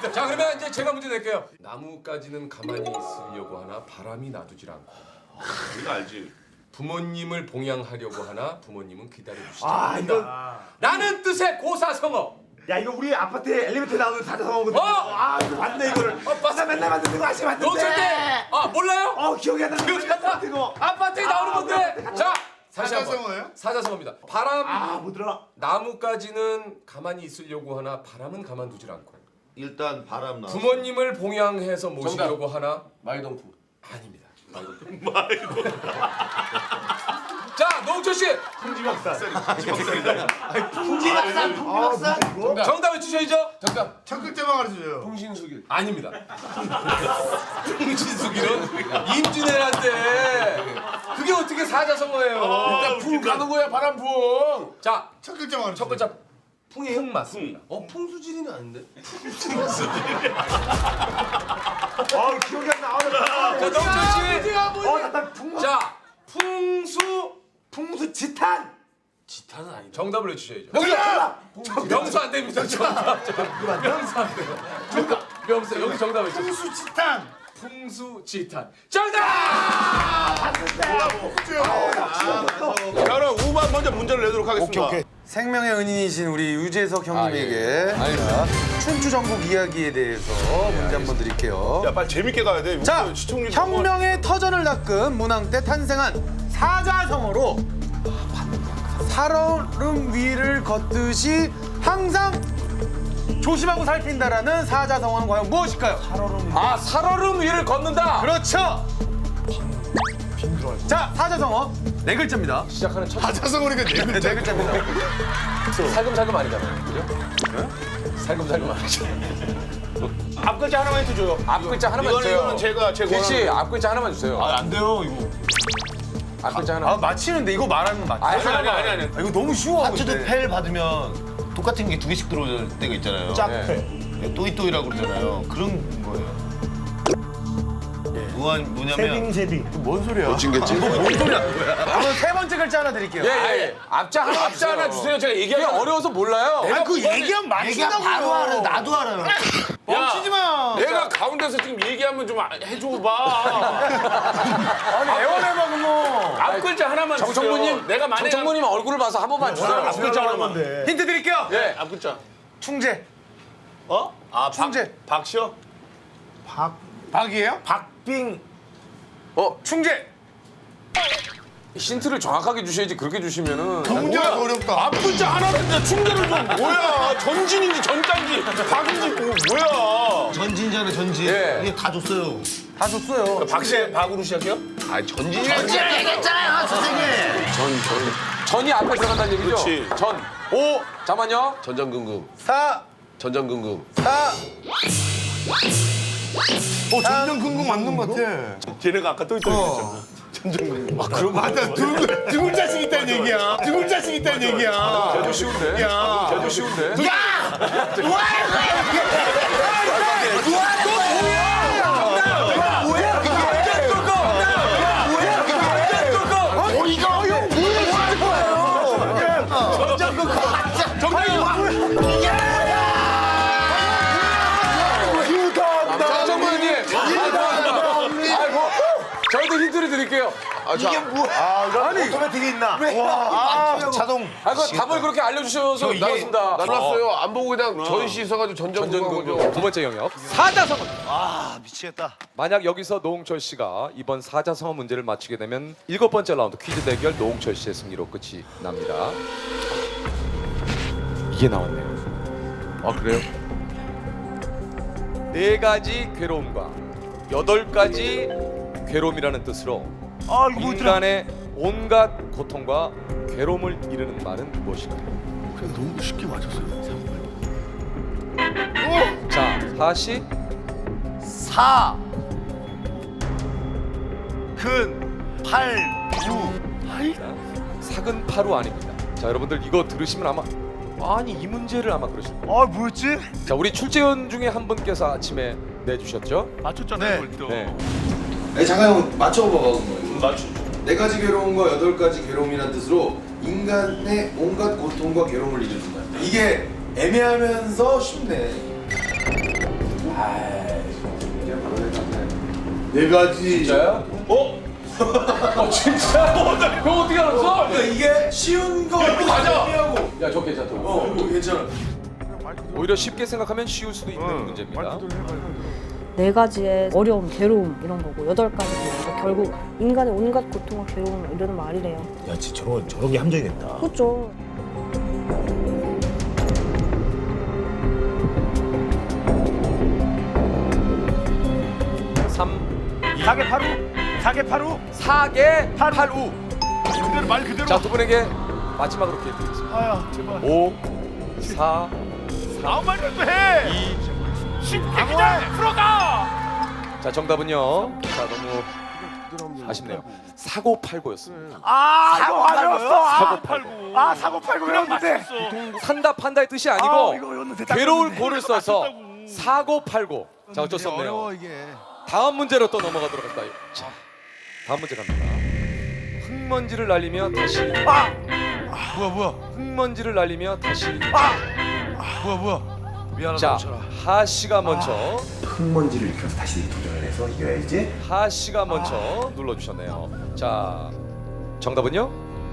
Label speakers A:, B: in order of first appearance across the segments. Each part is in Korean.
A: 자, 그러면 이제 제가 문제 낼게요. 나무까지는 가만히 있으려고 하나 바람이 놔두질 않고.
B: 우리가 알지.
A: 부모님을 봉양하려고 하나 부모님은 기다려주시지
C: 아
A: 않는다.
C: 이거
A: 라는 뜻의 고사성어.
C: 야 이거 우리 아파트에 엘리베이터 나오는 사자성어거든. 아 이거 맞네 이거를.
A: 맞아.
C: 나 맨날 만드는 거 아시 맞는데.
A: 놓칠 때, 몰라요?
C: 기억이 안 나.
A: 기억이 안 나? 아파트에 나오는 건데. 자, 다시 한번.
B: 사자성어예요?
A: 사자성어입니다. 바람.
C: 못 들어.
A: 나무까지는 가만히 있으려고 하나 바람은 가만두질 않고.
B: 일단 바람 나.
A: 부모님을 봉양해서 모시려고 하나
D: 마이동풍.
A: 아닙니다. 자, 노홍철 씨
C: 풍지박산.
A: 정답을 주셔야죠.
D: 정답.
B: 첫 글자만 가르쳐줘요.
D: 풍신수길.
A: 아닙니다. 풍신수길은 임진왜란때 그게 어떻게 사자성어예요?
D: 일단 풍 가는 거야 바람풍.
A: 자,
B: 첫 글자만 가르쳐.
A: 첫 글자 풍 맞습니다.
D: 풍수지리는 아닌데?
C: 기억이 안 나.
A: 자, 노홍철 씨.
C: 나 풍수.
A: 자,
C: 풍수 지탄.
D: 지탄은 아니다.
A: 정답을 해주셔야죠.
C: 정답.
A: 명수 안 됩니다. 명수 안 돼요. 명수 여기 정답을 해주세요.
B: 풍수지탄.
A: 풍수지탄. 정답!
B: 그럼 우만 먼저 문제를 내도록 하겠습니다.
E: 생명의 은인이신 우리 유재석 형님에게 자, 춘추 전국 이야기에 대해서 문제 한번 드릴게요.
B: 야 빨리 재밌게 가야 돼.
E: 자,
B: 시청률
E: 혁명의 터전을 닦은 문왕 때 탄생한 사자성어로 살얼음 위를 걷듯이 항상 조심하고 살핀다라는 사자성어는 과연 무엇일까요?
A: 살얼음 위를 걷는다.
E: 그렇죠. 자, 사자성어 네 글자입니다.
A: 시작하는 첫
B: 사자성어니까 네 글자.
E: 네 글자입니다.
A: 살금살금 아니잖아요. 그죠? 살금살금 아니죠.
B: 앞 글자 하나만 해줘요.
A: 앞 글자 하나만 주세요.
B: 이거는 제가
A: 씨, 앞 글자 하나만 주세요.
B: 안 돼요 이거.
A: 앞 글자 하나.
E: 맞히는데 이거 말하는 거 맞죠?
A: 아니.
E: 이거 너무 쉬워.
F: 하트도
E: 근데.
F: 펠 받으면 똑같은 게 두 개씩 들어올 때가 있잖아요.
B: 짝패.
F: 또이또이라고 그러잖아요. 그런 거예요. 뭐냐면
E: 뭔 소리야?
F: 놓친겠지?
E: 뭔 소리야? 그럼 세 번째 글자 하나 드릴게요.
A: 예. 앞자 하나 주세요. 제가 얘기하기 어려워서 몰라요.
F: 그 얘기하면 맞힌다고. 바로 알아. 나도 알아요.
B: 멈추지 마.
D: 내가 가운데서 지금 얘기하면 좀 해줘봐.
E: 아니 애원해봐 그럼.
D: 앞 글자 하나만 주세요.
A: 정청무님,
D: 내가 만약
A: 정청무님 얼굴을 봐서 한 번만 주세요.
D: 앞 글자 하나만.
E: 힌트 드릴게요.
A: 예.
D: 앞 글자.
E: 충재.
D: 충재. 박시어?
E: 박이에요?
D: 박빙.
E: 충재.
A: 힌트를 정확하게 주셔야지 그렇게 주시면은.
B: 문제가 더 어렵다.
D: 앞 글자 하나인데 충재를 좀 뭐야? 전진인지 전단지 박인지 뭐야?
F: 전진이잖아요, 전진.
A: 예.
F: 이게 다 줬어요.
E: 다 줬어요.
D: 박씨 박으로 시작해요?
A: 전진이
F: 얘기했잖아요, 선생님.
A: 전이 앞에 들어간다는 얘기죠?
D: 그렇지.
A: 전. 오. 잠깐만요.
D: 전전긍긍.
E: 4,
D: 전전긍긍.
E: 4.
B: 전전긍긍 맞는 것 같아.
D: 걔네가 아까 또 있잖아. 전전긍긍.
B: 그런 거 맞아. 두 글자씩 있다는 얘기야. 두 글자씩 있다는 얘기야.
A: 걔도 쉬운데?
B: 야.
A: 걔도 쉬운데? 정청무님. 아이고. 저희도 힌트를 드릴게요.
F: 이게 뭐야?
E: 아니
C: 오토매틱이 있나?
F: 자동.
A: 그 답을 그렇게 알려주셔서 나왔습니다.
D: 몰랐어요. 안 보고 그냥 전시 있어가지고 전전긍긍.
A: 두 번째 영역. 사자성어.
F: 미치겠다.
A: 만약 여기서 노홍철 씨가 이번 사자성어 문제를 맞히게 되면 7번째 라운드 퀴즈 대결 노홍철 씨의 승리로 끝이 납니다. 이게 나왔네요. 아, 그래요? 4가지 괴로움과 8가지 괴로움이라는 뜻으로 인간의 온갖 고통과 괴로움을 이르는 말은 무엇일까요?
F: 그냥 너무 쉽게 맞췄어요.
A: 자, 사시
F: 사. 근. 팔. 우.
A: 사근파루 아닙니다. 자, 여러분들 이거 들으시면 아마 아니 이 문제를 아마 그러실 거예요.
C: 뭐였지?
A: 자, 우리 출제원 중에 한 분께서 아침에 내주셨죠?
D: 맞췄잖아요.
G: 아니 잠깐 형 맞춰봐봐 그럼.
D: 맞추.
G: 4가지 괴로움과 8가지 괴로움이라는 뜻으로 인간의 온갖 고통과 괴로움을 이루는다. 이게 애매하면서 쉽네. 네 가지.
A: 진짜요? 진짜? 그거 어떻게 알았어?
G: 이게 쉬운 거
A: 맞아.
G: 하고.
A: 야, 저 괜찮다.
G: 이거 괜찮아.
A: 오히려 쉽게 생각하면 쉬울 수도 있는 문제입니다.
H: 네 가지의 어려움, 괴로움 이런 거고 8가지 결국 인간의 온갖 고통과 괴로움을 이루는 말이래요.
F: 야 진짜 저런 게 함정이겠다.
H: 그렇죠.
A: 사계 팔우.
F: 그대로 말 그대로.
A: 자, 두 분에게 마지막으로 기회 드리겠습니다.
F: 아야 제발.
A: 5, 4,
F: 아무 말이라도 해. 2. 쉽게 그냥 풀어가.
A: 자, 정답은요. 자, 너무 아쉽네요. 사고팔고였습니다.
F: 사고
A: 사고
F: 팔고. 아 사고 팔고 외웠는데.
A: 산다 판다의 뜻이 아니고
F: 이거 외웠는데
A: 괴로울
F: 딱
A: 고를
F: 외웠는데
A: 써서
F: 맞췄다고.
A: 사고팔고. 자, 어쩔 수 없네요. 다음 문제로 또 넘어가도록 할까요? 자, 다음 문제 갑니다. 흙먼지를 날리며 다시.
F: 뭐야.
A: 흙먼지를 날리며 다시.
F: 뭐야. 미안하다.
A: 자,
F: 정철아.
A: 하 씨가 먼저.
C: 흙먼지를 일으켜서 다시 도전을 해서 이겨야지.
A: 하 씨가 먼저 눌러주셨네요. 자, 정답은요?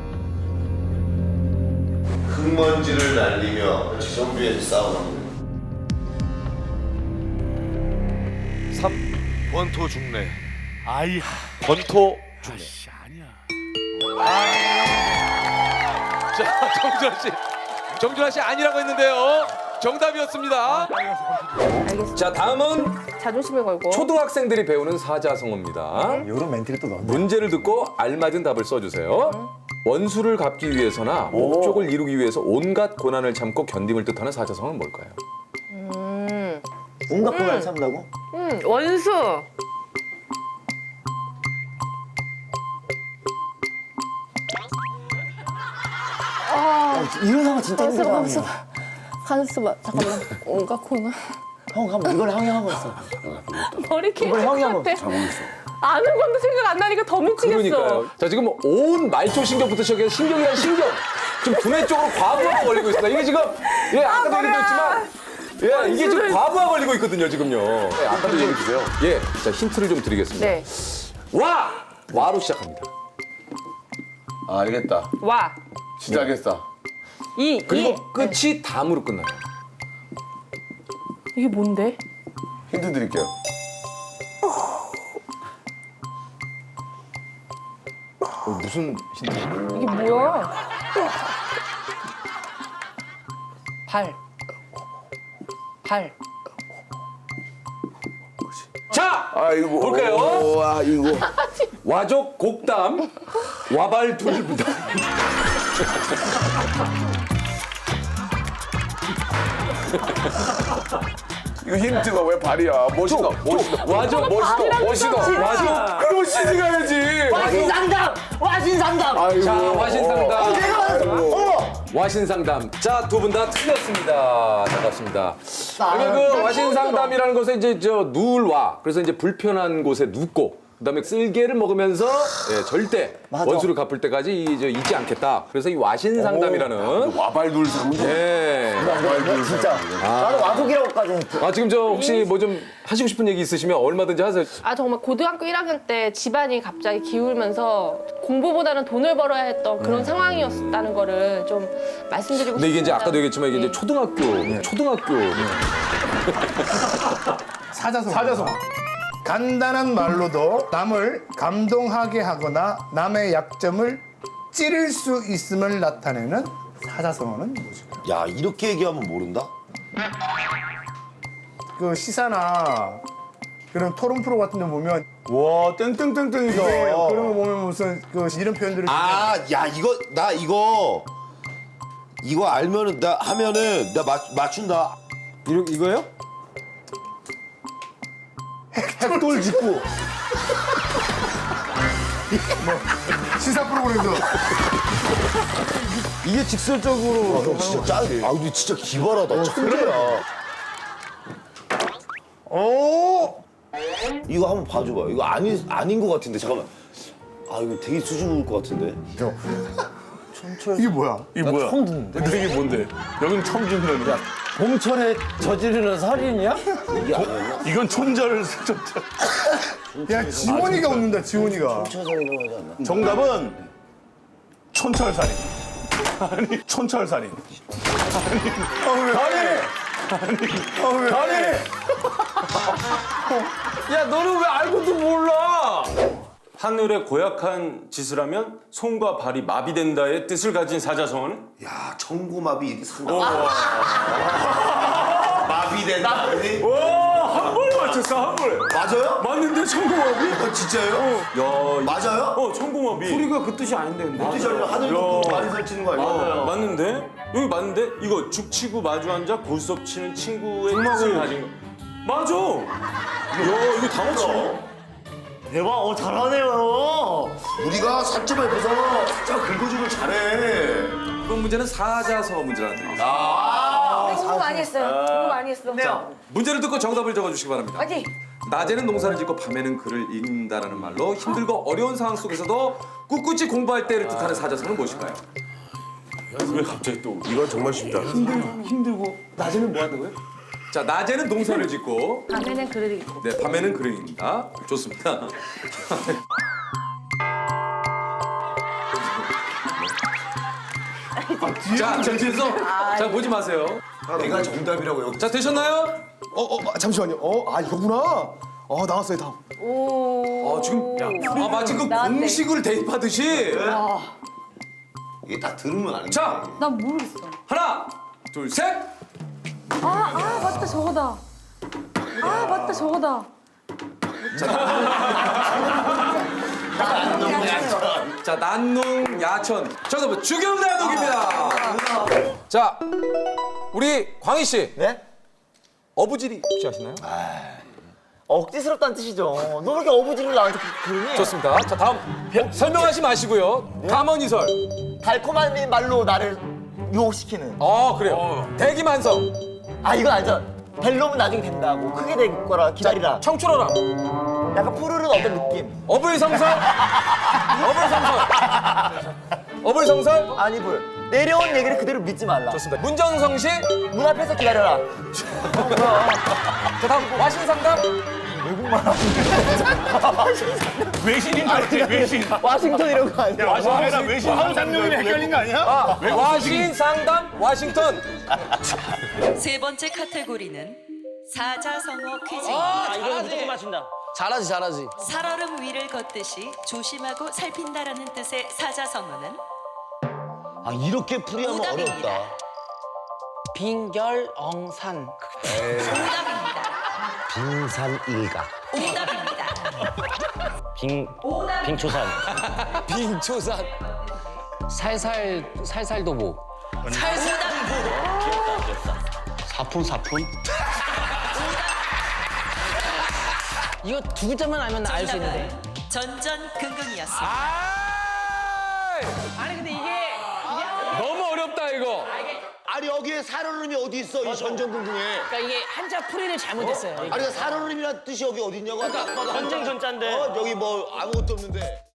G: 흙먼지를 날리며 지정부에서 싸우는.
A: 3.
F: 원토 중래. 아이.
A: 권토 중래.
F: 아니야.
A: 자, 정준하 씨. 정준하 씨 아니라고 했는데요. 정답이었습니다.
H: 알겠습니다.
A: 자, 다음은
H: 자존심을 걸고
A: 초등학생들이 배우는 사자성어입니다.
F: 이런 멘트를 또 넣었네.
A: 문제를 듣고 알맞은 답을 써주세요. 원수를 갚기 위해서나 목적을 이루기 위해서 온갖 고난을 참고 견딤을 뜻하는 사자성어는 뭘까요?
C: 온갖 고난을 참다고?
H: 원수.
C: 이런 상황 진짜 힘들어.
H: 한숨 잠깐만. 온갖 코나.
C: 형 한번 이걸 형이 하고 있어.
H: 머리 개.
C: 이걸 형이 한번
H: 아는 건데 생각 안 나니까 더 미치겠어.
A: 그러니까요. 자, 지금 온 말초 신경부터 시작해서 신경이란 신경. 지금 두뇌 쪽으로 과부하가 걸리고 있습니다. 이게 지금 아까도 얘기했지만 이게 지금 과부하 걸리고 있거든요, 지금요. 네, 아까도 얘기 주세요. 예, 자, 힌트를 좀 드리겠습니다.
H: 네.
A: 와로 시작합니다.
B: 알겠다.
H: 와.
B: 시작했어.
A: 그리고 끝이 담으로 끝나요.
H: 이게 뭔데?
B: 힌트 드릴게요.
A: 무슨 힌트?
H: 이게 뭐야? 발.
A: 자,
B: 아이고.
A: 볼까요?
B: 와 이거.
A: 와족 곡담 와발 둘부담.
B: 이거 힌트가 왜 발이야? 멋있다.
A: 와족 와족.
B: 그럼 시지 가야지.
C: 와신상담.
B: 아이고.
A: 자, 와신상담.
C: 내가 맞았어.
A: 와신상담. 자, 두 분 다 틀렸습니다. 반갑습니다. 그러면 그 와신상담이라는 것은 이제 누울와 그래서 이제 불편한 곳에 눕고 그다음에 쓸개를 먹으면서 절대
C: 맞아.
A: 원수를 갚을 때까지 잊지 않겠다. 그래서 이 와신상담이라는
B: 와발둘 상담.
A: 예.
C: 진짜. 나는 와족이라고까지 했지.
A: 지금 저 혹시 뭐 좀 하시고 싶은 얘기 있으시면 얼마든지 하세요.
I: 아 정말 고등학교 1학년 때 집안이 갑자기 기울면서 공부보다는 돈을 벌어야 했던 그런 상황이었다는 거를 좀 말씀드리고 싶습니다.
A: 근데 이게 이제 아까도 얘기했지만 이게 이제 초등학교
J: 사자성. 간단한 말로도 남을 감동하게 하거나 남의 약점을 찌를 수 있음을 나타내는 사자성어는 무엇일까요?
F: 야 이렇게 얘기하면 모른다?
J: 그 시사나 그런 토론 프로 같은 데 보면
F: 와 땡땡땡땡이다.
J: 그런 거 보면 무슨 그 이런 표현들을
F: 아야 이거 이거 알면은 나 하면은 나 맞춘다. 이거요? 핵돌 짚고.
J: 시사 프로그램도
F: 이게 직설적으로 형 진짜 짜. 근데 진짜 기발하다. 천재야. 이거 한번 봐줘봐. 이거 아닌 것 같은데 잠깐만. 이거 되게 수줍을 것 같은데.
J: 이게 뭐야?
D: 이게 뭐야? 처음 듣는데? 이게 뭔데? 여긴 처음 듣는 거야.
F: 봄철에 저지르는 살인이야?
D: 이건 촌절.
J: 야 지원이가 웃는다 지원이가.
D: 정답은 촌철살인. 아니, 촌철살인.
A: 야 너는 왜 알고도 몰라?
K: 하늘의 고약한 짓을 하면 손과 발이 마비된다의 뜻을 가진 사자성어는?
G: 야 청고마비 이렇게 상당.
C: 마비된다.
K: 한 번 맞췄어, 한 번.
G: 맞아요?
K: 맞는데 청고마비?
G: 진짜요?
K: 야,
G: 맞아요?
K: 청고마비.
E: 소리가 그 뜻이 아닌데 근데.
G: 어떻게 알려? 하늘 덮고 많이 설치는 거 아니야?
K: 맞는데? 여기 맞는데? 이거 죽치고 마주 앉아 골수업 치는 친구의 뜻을 가진 거. 맞아. 야, 이거 다 맞춰.
C: 대박, 잘하네요.
G: 우리가 살점을 옆에서 살짝 긁어주길 잘해.
A: 이번 문제는 사자성어 문제라는 뜻입니다.
H: 공부 많이 했어요. 공부 많이 했어.
A: 문제를 듣고 정답을 적어주시기 바랍니다.
H: 화이팅!
A: 낮에는 농사를 짓고 밤에는 글을 읽는다라는 말로 힘들고 어려운 상황 속에서도 꿋꿋이 공부할 때를 뜻하는 사자성어는 무엇일까요?
K: 왜 갑자기 또.
G: 이건 정말 쉽다.
A: 힘들고 낮에는 뭐 한다고요? 자, 낮에는 농사를 짓고
I: 밤에는 글을 읽고.
A: 네, 밤에는 글을 읽는다. 좋습니다. 자, 전지에서 자 보지 마세요.
G: 내가 정답이라고 여기.
A: 자, 되셨나요?
B: 잠시만요. 이거구나. 나왔어요 다음.
A: 지금 마치 그
H: 나한테.
A: 공식을 대입하듯이.
G: 이게 다 들으면 아는
A: 자,
H: 난 모르겠어.
A: 하나, 둘, 셋.
H: 맞다 저거다. 맞다 저거다.
A: 자, 난농 야천. 정답은 주경나독입니다. 자, 우리 광희 씨.
C: 네?
A: 어부지리 혹시 아시나요?
C: 억지스럽다는 뜻이죠. 너 그렇게 어부지를 나한테 그러니?
A: 좋습니다. 자, 다음 설명하지 마시고요. 감언이설.
C: 달콤한 말로 나를 유혹시키는.
A: 그래요. 대기만성.
C: 이건 알죠. 벨롬은 나중에 된다고. 크게 될 거라 기다리라.
A: 청출어람.
C: 약간 푸르른 어떤 느낌.
A: 어불성설. 어불성설.
C: 아니 내려온 얘기를 그대로 믿지 말라.
A: 좋습니다. 문정성시.
C: 문 앞에서 기다려라.
A: 자, 다음 와신상담.
D: 외신인 줄 알았지, 외신.
C: 와싱턴 이런 거 아니야?
D: 아니라 외신.
J: 상상력이 헷갈린 거 아니야?
A: 와신상담 와싱턴.
L: 세 번째 카테고리는 사자성어 퀴즈입니다.
F: 이거 무조건 맞춘다. 잘하지.
L: 살얼음 위를 걷듯이 조심하고 살핀다라는 뜻의 사자성어는
F: 이렇게 풀이하면
L: 오답입니다.
F: 어렵다.
M: 빙결엉산.
L: 오답입니다.
F: 빙산일각.
L: 오답입니다.
F: 빙초산.
M: 빙초산. 살살도보.
F: 사푼.
M: 이거 두 글자만 알면 알 수 있는데.
L: 전전긍긍이었습니다.
M: 아니 근데 이게
A: 너무 어렵다 이거.
F: 아니 여기에 살얼음이 어디 있어? 이 전전긍긍에.
M: 그러니까 이게 한자 풀이를 잘못했어요.
F: 아니 살얼음이란 뜻이 여기 어디 있냐고. 아까
M: 전쟁 전자인데.
F: 여기 뭐 아무것도 없는데.